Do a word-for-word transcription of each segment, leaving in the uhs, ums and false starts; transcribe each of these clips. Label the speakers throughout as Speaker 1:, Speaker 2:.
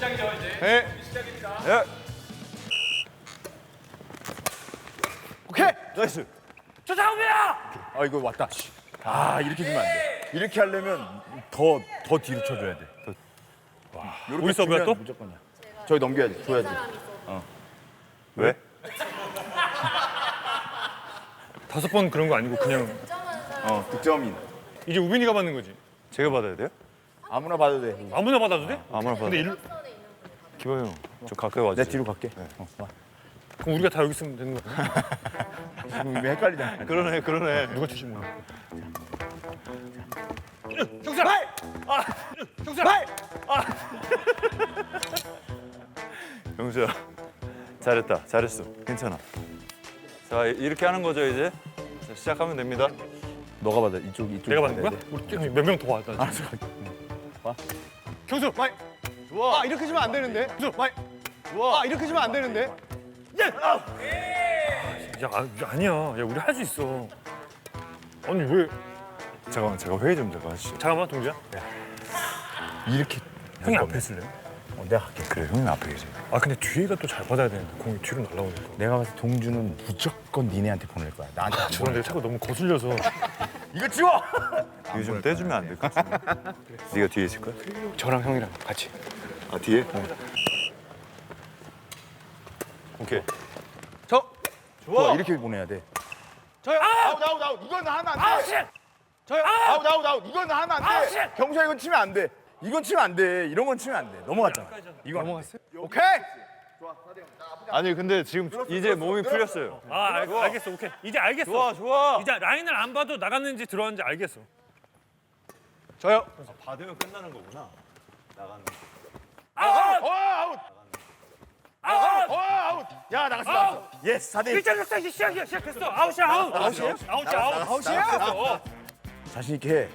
Speaker 1: 시작이죠 이제.
Speaker 2: 네.
Speaker 1: 시작입니다.
Speaker 2: 예. 오케이. 나이스.
Speaker 1: 조상우야.
Speaker 2: 아 이거 왔다. 아 이렇게 주면 안 돼. 이렇게 하려면 더 더 뒤로 쳐줘야 돼. 더. 와.
Speaker 3: 우리 서브야 또?
Speaker 2: 무조건이야. 저기 넘겨야지. 줘야지. 어. 왜?
Speaker 3: 다섯 번 그런 거 아니고 그냥
Speaker 2: 어 득점인.
Speaker 3: 이제 우빈이가 받는 거지.
Speaker 4: 제가 받아야 돼요?
Speaker 2: 아무나 봐도 돼.
Speaker 3: 아무나 받아도 돼?
Speaker 4: 아무나 받아.
Speaker 3: 근데 일로
Speaker 4: 기범 형, 좀 가까이 와주세요.
Speaker 2: 내 뒤로 갈게. 어, 와.
Speaker 3: 그럼 우리가 다 여기 있으면 되는 거야.
Speaker 2: 지금 이미 헷갈리잖아.
Speaker 4: 그러네, 그러네.
Speaker 3: 누가 주지 몰라.
Speaker 2: 경찰! 아! 경찰!
Speaker 4: 영수야, 잘했다, 잘했어. 괜찮아. 자, 이렇게 하는 거죠 이제. 자, 시작하면 됩니다.
Speaker 2: 너가 받아. 이쪽 이쪽.
Speaker 3: 내가 받는 거야? 우리 몇 명 더 왔다.
Speaker 2: 알았어.
Speaker 3: 경수, 마이.
Speaker 5: 좋아. 아 이렇게 주면 안 되는데.
Speaker 3: 경수, 마이.
Speaker 5: 좋아. 아 이렇게 주면 안 되는데.
Speaker 3: 야, 아, 야, 아니야. 야, 우리 할 수 있어. 아니 왜?
Speaker 4: 잠깐만, 제가 회의 좀 잠깐 하시죠.
Speaker 3: 잠깐만, 동주야.
Speaker 2: 이렇게.
Speaker 3: 형이 앞에 있을래?
Speaker 2: 어, 내가 할게.
Speaker 4: 그래, 형님 앞에 계세요.
Speaker 3: 아, 근데 뒤에가 또 잘 받아야 되는데 공이 뒤로 날라오니까.
Speaker 2: 내가 봤을 때 동주는 무조건 니네한테 보낼 거야. 나한테 안
Speaker 3: 저는 내가 자꾸 너무 거슬려서.
Speaker 2: 이거 지워!
Speaker 4: 이거 좀 떼주면 안 될까? 네가 뒤에 있을 거야?
Speaker 5: 저랑 형이랑 같이.
Speaker 4: 아, 뒤에? 오케이.
Speaker 5: 저.
Speaker 2: 좋아. 이렇게 보내야 돼.
Speaker 5: 저요.
Speaker 2: 아웃 아웃 아웃. 이건 하면 안 돼.
Speaker 5: 아우 씨. 저요.
Speaker 2: 아웃 아웃 아웃. 이건 하면 안
Speaker 5: 아우,
Speaker 2: 돼.
Speaker 5: 씨.
Speaker 2: 경수야 이건 치면 안 돼. 이건 치면 안 돼. 이런 건 치면 안 돼. 넘어갔잖아. 이거
Speaker 5: 넘어갔어요?
Speaker 2: 오케이.
Speaker 4: 아니, 근데 지금 이제 몸이 풀렸어요.
Speaker 3: 아, 알, 알겠어. 오케이. 이제 알겠어.
Speaker 4: 좋아, 좋아.
Speaker 3: 이제 라인을 안 봐도 나갔는지 들어왔는지 알겠어.
Speaker 5: 저요.
Speaker 4: 받으면 끝나는 거구나. 나가는 거.
Speaker 2: 아웃. 어, 아웃. 아웃. 어, 아웃. 야 나갔어. 나갔어. 예스 사 대 일.
Speaker 3: 일장 역사 이제 시작이야. 시작했어. 아웃이야, 아웃.
Speaker 2: 아웃이에요?
Speaker 3: 아웃이야, 아웃.
Speaker 2: 아웃이야? 자신 있게 해.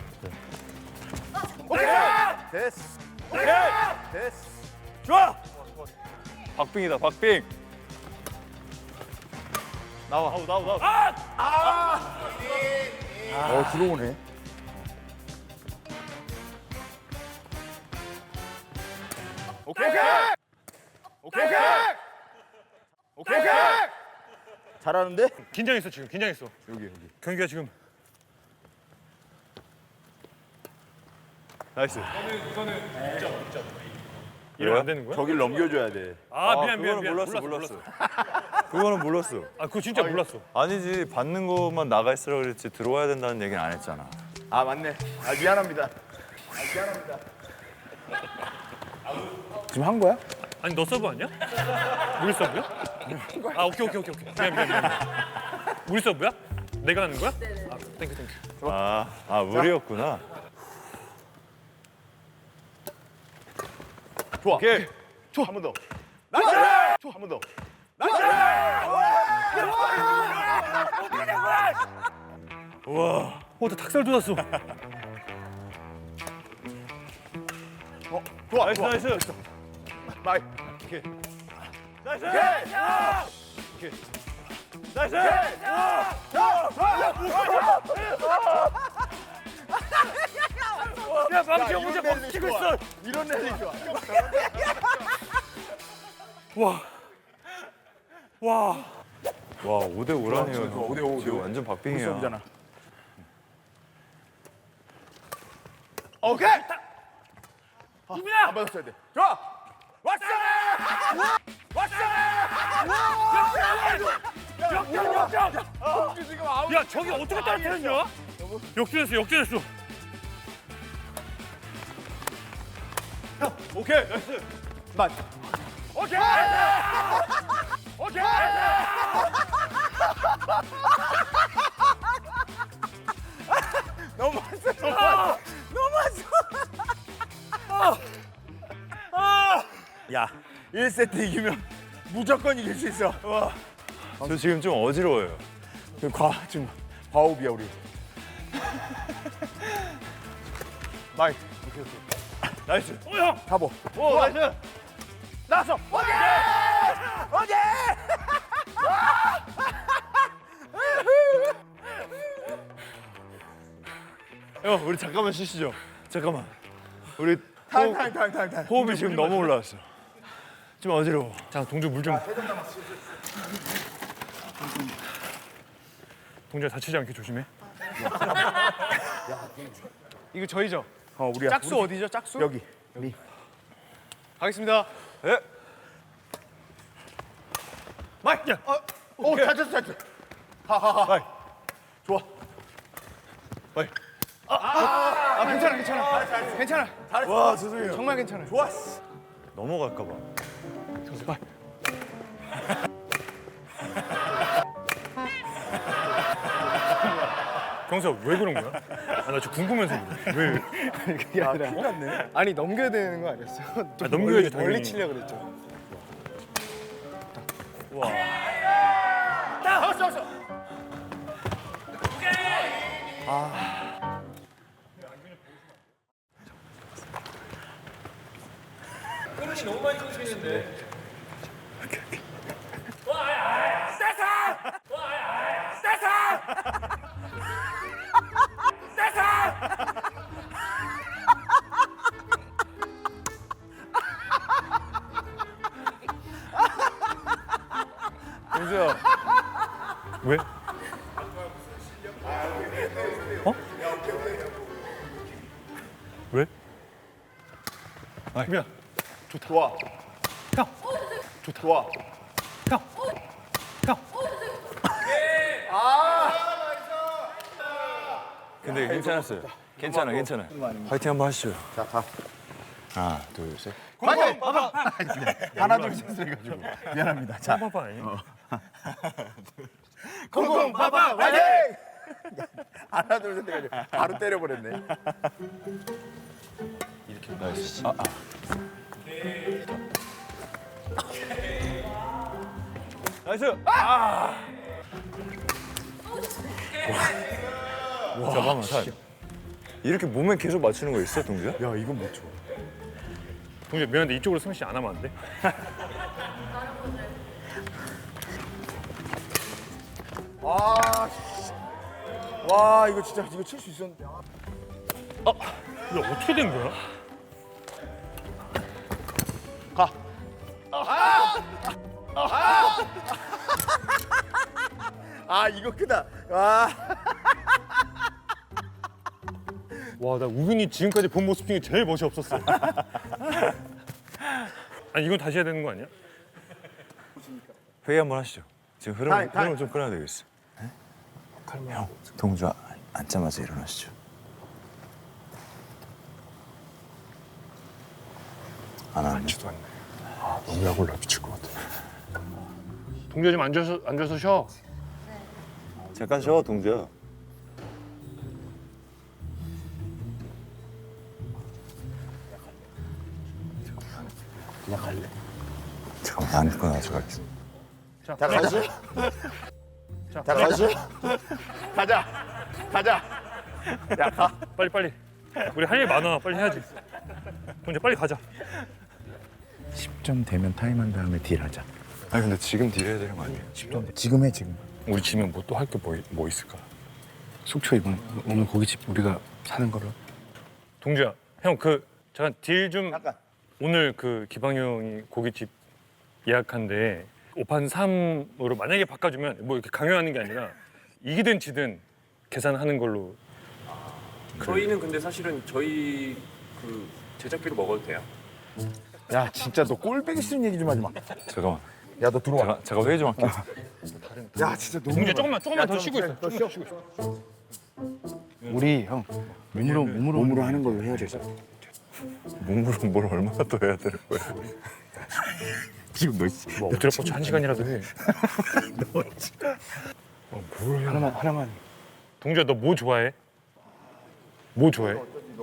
Speaker 2: 오케이. 됐어. 오케이. 됐어. 좋아.
Speaker 4: 박빙이다, 박빙.
Speaker 2: 나와.
Speaker 4: 아웃, 아웃, 아웃.
Speaker 2: 어 들어오네. 오케이. 오케이. 오케이. 오케이. 오케이. 잘하는데?
Speaker 3: 긴장했어 지금. 긴장했어.
Speaker 2: 여기 여기.
Speaker 3: 경기가 지금.
Speaker 4: 나이스.
Speaker 3: 이러면 안 되는 거야?
Speaker 2: 저길 넘겨줘야 돼.
Speaker 3: 아, 미안 미안
Speaker 4: 그거는
Speaker 3: 미안.
Speaker 4: 몰랐어,
Speaker 3: 몰랐어.
Speaker 4: 몰랐어. 그거는 몰랐어.
Speaker 3: 아, 그거 진짜 몰랐어.
Speaker 4: 아니지, 받는 것만 나가 있으라 그랬지 들어와야 된다는 얘기는 안 했잖아.
Speaker 2: 아 맞네. 아 미안합니다. 아 미안합니다. 지금 한 거야?
Speaker 3: 아니 너 서브 아니야? 우리 서브야? 아, 오케이 오케이 오케이 오케이. 미안 미안 미안. 우리 서브야? 내가 하는 거야? 네네. 아, 땡큐 땡큐.
Speaker 4: 아, 아 우리였구나.
Speaker 2: 좋아.
Speaker 4: 오케이.
Speaker 2: 좋아. 한 번 더. 나이스. 좋아. 한 번 더.
Speaker 3: 와, 어, 나 닭살 돋았어.
Speaker 2: 어, 좋아.
Speaker 4: 나이스,
Speaker 2: 좋아.
Speaker 4: 나이스.
Speaker 2: 마이.
Speaker 4: 오케이.
Speaker 2: 나이스.
Speaker 4: 오케이. 나이스.
Speaker 3: 야, 망치가 혼자 막 치고 있어.
Speaker 2: 이런 랠리 좋아.
Speaker 3: 와, 와.
Speaker 4: 와, 오 대 오라니요.
Speaker 2: 좋아, 오 대 오, 오 대 오.
Speaker 4: 완전 박빙이야.
Speaker 2: 수업이잖아. 오케이.
Speaker 3: 우빈아.
Speaker 2: 안 받았어야 돼. 좋아. 왔어. 왔어.
Speaker 3: 역전 역전.
Speaker 2: 동주 지금 아웃.
Speaker 3: 야, 저기 어떻게 따라했냐? 역전했어 역전했어.
Speaker 4: 오케이. 나이스.
Speaker 2: 맞. 오케이. 오케이. 너무했어. 너무했어. 너무했어. 야, 일 세트 이기면 무조건 이길 수 있어. 와.
Speaker 4: 저 지금 좀 어지러워요.
Speaker 2: 그 과 지금 과호흡이야 우리. 마이. 오케이 오케이.
Speaker 4: 나이스.
Speaker 3: 어, 형.
Speaker 2: 가보.
Speaker 4: 오, 나이스.
Speaker 2: 나왔어. 오케이. 오케이.
Speaker 4: 형, 우리 잠깐만 쉬시죠. 잠깐만. 우리
Speaker 2: 타임 타임 타임 타임 타임.
Speaker 4: 호흡이 지금 너무 올라왔어. 좀 어지러워.
Speaker 3: 자, 동주 물 좀. 동주야 다치지 않게 조심해.
Speaker 5: 이거 저희죠?
Speaker 2: 어 우리야.
Speaker 5: 짝수 어디죠? 짝수?
Speaker 2: 여기. 리.
Speaker 5: 가겠습니다.
Speaker 4: 예.
Speaker 5: 마이.
Speaker 3: 야.
Speaker 5: 어,
Speaker 2: 오 잘했어 잘했어. 하하하. 좋아.
Speaker 5: 아 괜찮아 괜찮아. 괜찮아.
Speaker 2: 와 죄송해요.
Speaker 5: 정말 괜찮아.
Speaker 2: 좋았어.
Speaker 4: 넘어갈까 봐.
Speaker 5: 마이.
Speaker 3: 경수야 왜 그런 거야? 아, 나 지금 궁금해서 그래. 왜?
Speaker 5: 그게 아니라. 아니 넘겨야 되는 거 아니었어요?
Speaker 3: 아, 넘겨야지,
Speaker 5: 멀리,
Speaker 3: 당연히.
Speaker 5: 멀리 치려 그랬죠.
Speaker 4: 동주야.
Speaker 3: 왜? 어? 왜? 미안.
Speaker 2: 좋아.
Speaker 3: 형.
Speaker 2: 좋다. 좋아.
Speaker 3: 형. 형.
Speaker 4: 근데 괜찮았어요. 괜찮아, 괜찮아. 화이팅 한번 하시죠.
Speaker 2: 자 가.
Speaker 4: 하나, 둘, 셋.
Speaker 2: 화이팅! 하나 둘셋 해가지고 미안합니다. 자.
Speaker 3: 빠빠 아니?
Speaker 2: 콩콩 파파 화이팅! 하나 둘셋 해가지고 바로 때려버렸네.
Speaker 4: 나이스. 아, 아. 나이스. 아. 와. 잠깐만, 타임. 이렇게 몸에 계속 맞추는 거 있어, 동주야?
Speaker 2: 야 이건 못 쳐.
Speaker 3: 동주 미안한데 이쪽으로 승씨 안 하면 안 돼?
Speaker 2: 아. 씨. 와 이거 진짜 이거 칠 수 있었는데. 아.
Speaker 3: 이거 어떻게 된 거야?
Speaker 2: 아 이거 크다. 와.
Speaker 3: 와, 나 우빈이 지금까지 본 모습 중에 제일 멋이 없었어. 아니 이건 다시 해야 되는 거 아니야?
Speaker 4: 회의 한번 하시죠. 지금 흐름,
Speaker 2: 타임, 타임.
Speaker 4: 흐름을 좀 끊어야 되겠어. 형, 동주 아- 앉자마자 일어나시죠. 안 하네.
Speaker 3: 너무 약 올라 미칠 것 같아. 동주야 좀 앉아서 앉아서 쉬어.
Speaker 4: 잠깐 쉬어, 동주야.
Speaker 2: 그냥 갈래.
Speaker 4: 잠깐만, 안 끊어서 갈게.
Speaker 3: 자,
Speaker 2: 자 가시.
Speaker 3: 자,
Speaker 2: 자 가시. 가자. 가자. 야 가.
Speaker 3: 빨리 빨리. 우리 할 일 많아. 빨리 해야지. 동주 빨리 가자.
Speaker 6: 십 점 되면 타임한 다음에 딜하자.
Speaker 4: 아니 근데 지금 딜해야 되는 거 아니에요?
Speaker 6: 십 점 지금 해 지금.
Speaker 3: 우리 지면 뭐 또 할 게 뭐 뭐 있을까?
Speaker 6: 속초 이번 오늘 고깃집 우리가 사는 걸로.
Speaker 3: 동주야, 형 그 잠깐 딜 좀
Speaker 2: 잠깐.
Speaker 3: 오늘 그 기방 형이 고깃집 예약한데 오 판 삼으로 만약에 바꿔주면 뭐 이렇게 강요하는 게 아니라 이기든 지든 계산하는 걸로.
Speaker 1: 저희는 근데 사실은 저희 그 제작비로 먹어도 돼요.
Speaker 2: 야 진짜 너 꼴배기 싫은 얘기 좀 하지 마.
Speaker 4: 잠깐만.
Speaker 2: 야 너 들어와.
Speaker 4: 제가 제가 회의 좀 할게요.
Speaker 2: 야 진짜 너무.
Speaker 3: 동주야 조금만 조금만 더 쉬고 있어.
Speaker 2: 더 쉬어. 쉬고 있어.
Speaker 6: 우리 형 몸으로 몸으로 몸으로 하는 걸로 해야 돼.
Speaker 4: 몸으로 뭘 얼마나 더 해야 되는 거야?
Speaker 2: 지금 너
Speaker 3: 뭐 엎드려 뻗쳐 한 시간이라도 해.
Speaker 6: 하나만 하나만.
Speaker 3: 동주야 너 뭐 좋아해? 뭐 좋아해?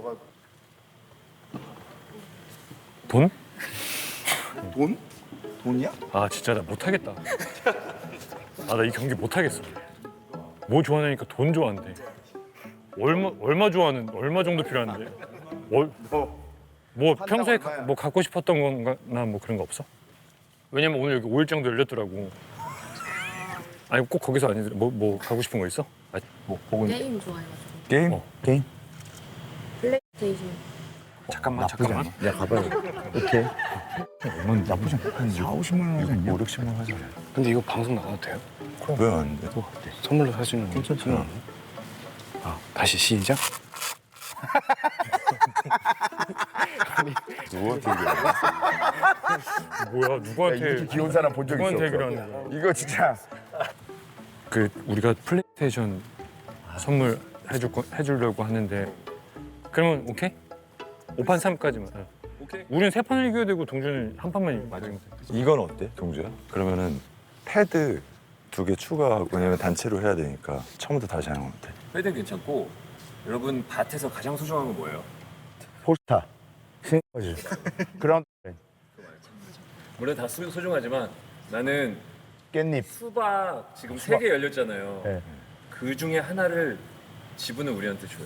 Speaker 3: 돈?
Speaker 2: 돈? 돈이야?
Speaker 3: 아 진짜 나 못하겠다. 아 나 이 경기 못하겠어. 뭐 좋아하냐니까 돈 좋아한대. 얼마 얼마 좋아하는 얼마 정도 필요한데? 월, 뭐 평소에 가, 뭐 갖고 싶었던 거나 뭐 그런 거 없어? 왜냐면 오늘 여기 오일장도 열렸더라고. 아니 꼭 거기서 아니더라. 뭐, 뭐 가고 싶은 거 있어? 아, 뭐 혹은
Speaker 7: 게임 좋아해가지고
Speaker 4: 게임?
Speaker 3: 어.
Speaker 6: 게임.
Speaker 7: 플레이스테이션
Speaker 3: 잠깐만
Speaker 6: 나쁘지
Speaker 3: 잠깐만.
Speaker 6: 않아. 야 가봐요. 오케이. 얼마 나쁘지 않아. 한 사, 오십만 원 하지 않냐?
Speaker 4: 오, 육십만 원 하자.
Speaker 5: 근데 이거 방송 나가도 돼요?
Speaker 4: 왜 안 돼?
Speaker 5: 선물로 사주는 거.
Speaker 6: 괜찮잖아.
Speaker 5: 아, 다시 시작.
Speaker 4: 누구한테 얘기해?
Speaker 3: 뭐야
Speaker 2: 야,
Speaker 3: 누구한테
Speaker 2: 이렇게 귀여운 사람 본 적 있어?
Speaker 3: 누구한테 얘기를
Speaker 2: 없어?
Speaker 3: 하는 거야?
Speaker 2: 이거 진짜
Speaker 3: 그 우리가 플레이스테이션 선물 해줄 거, 해주려고 하는데 그러면 오케이? 오 판 삼까지만.
Speaker 1: 오케이.
Speaker 3: 우리는 세 판을 이겨야 되고 동준은 한 판만 맞으면 돼.
Speaker 4: 이건 어때, 동주야? 그러면은 패드 두 개 추가하고 왜냐면 단체로 해야 되니까 처음부터 다시 하는 건 어때?
Speaker 1: 패드는 괜찮고 여러분 밭에서 가장 소중한 건 뭐예요?
Speaker 6: 포스타. 스니커즈. 그라운드.
Speaker 1: 물론 다 소- 소중하지만 나는
Speaker 6: 깻잎.
Speaker 1: 수박 지금 세 개 열렸잖아요.
Speaker 6: 네.
Speaker 1: 그 중에 하나를 지분을 우리한테 줘요.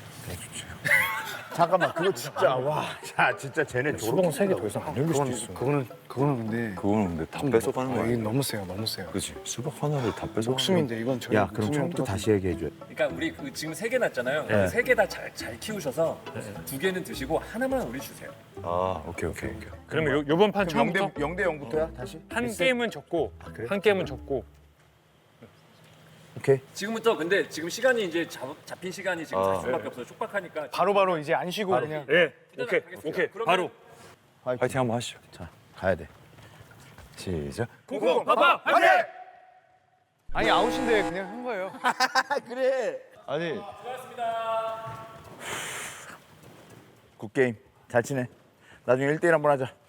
Speaker 2: 잠깐만 그거 진짜 와. 야 진짜 쟤네
Speaker 3: 수봉 세개 더 이상 안 열릴 수도
Speaker 5: 그건
Speaker 3: 있어.
Speaker 5: 그거는 그거는 근데
Speaker 4: 그거는 근데 다 뺏어가는 거
Speaker 5: 아,
Speaker 4: 아니야?
Speaker 5: 이거 너무 세요, 너무 세요.
Speaker 4: 그치? 수박 하나를 다 뺏어.
Speaker 5: 목숨인데 이건 저희
Speaker 6: 야 그럼
Speaker 5: 목숨이랑
Speaker 6: 처음부터
Speaker 5: 똑같은
Speaker 6: 다시 얘기해 줘.
Speaker 1: 그러니까 우리 그 지금 세 개 났잖아요.
Speaker 6: 네.
Speaker 1: 세 개 다 잘 잘 키우셔서 두 개는 드시고 하나만 우리 주세요.
Speaker 4: 아, 오케이, 오케이, 오케이.
Speaker 3: 그러면 요, 요번 판
Speaker 2: 그럼
Speaker 3: 처음부터
Speaker 2: 영대 영대 영부터야 다시?
Speaker 3: 한 게임은 졌고
Speaker 6: 그래?
Speaker 3: 한 게임은 졌고
Speaker 6: 오케이.
Speaker 1: 지금부터 근데 지금 시간이 이제 잡, 잡힌 시간이 지금
Speaker 4: 아.
Speaker 1: 사십 분밖에 없어요. 촉박하니까
Speaker 5: 바로바로 이제 안 쉬고 그냥
Speaker 3: 예 오케이
Speaker 1: 하겠습니다.
Speaker 3: 오케이
Speaker 1: 그러면-
Speaker 3: 바로
Speaker 4: 파이팅 한번 하시죠.
Speaker 6: 자 가야 돼.
Speaker 4: 시작.
Speaker 3: 콩콩 파파 화이팅!
Speaker 5: 아니 아웃인데 그냥 한 거예요.
Speaker 2: 아니
Speaker 1: 수고하셨습니다.
Speaker 2: 굿 게임 잘 치네. 나중에 일 대일 한번 하자.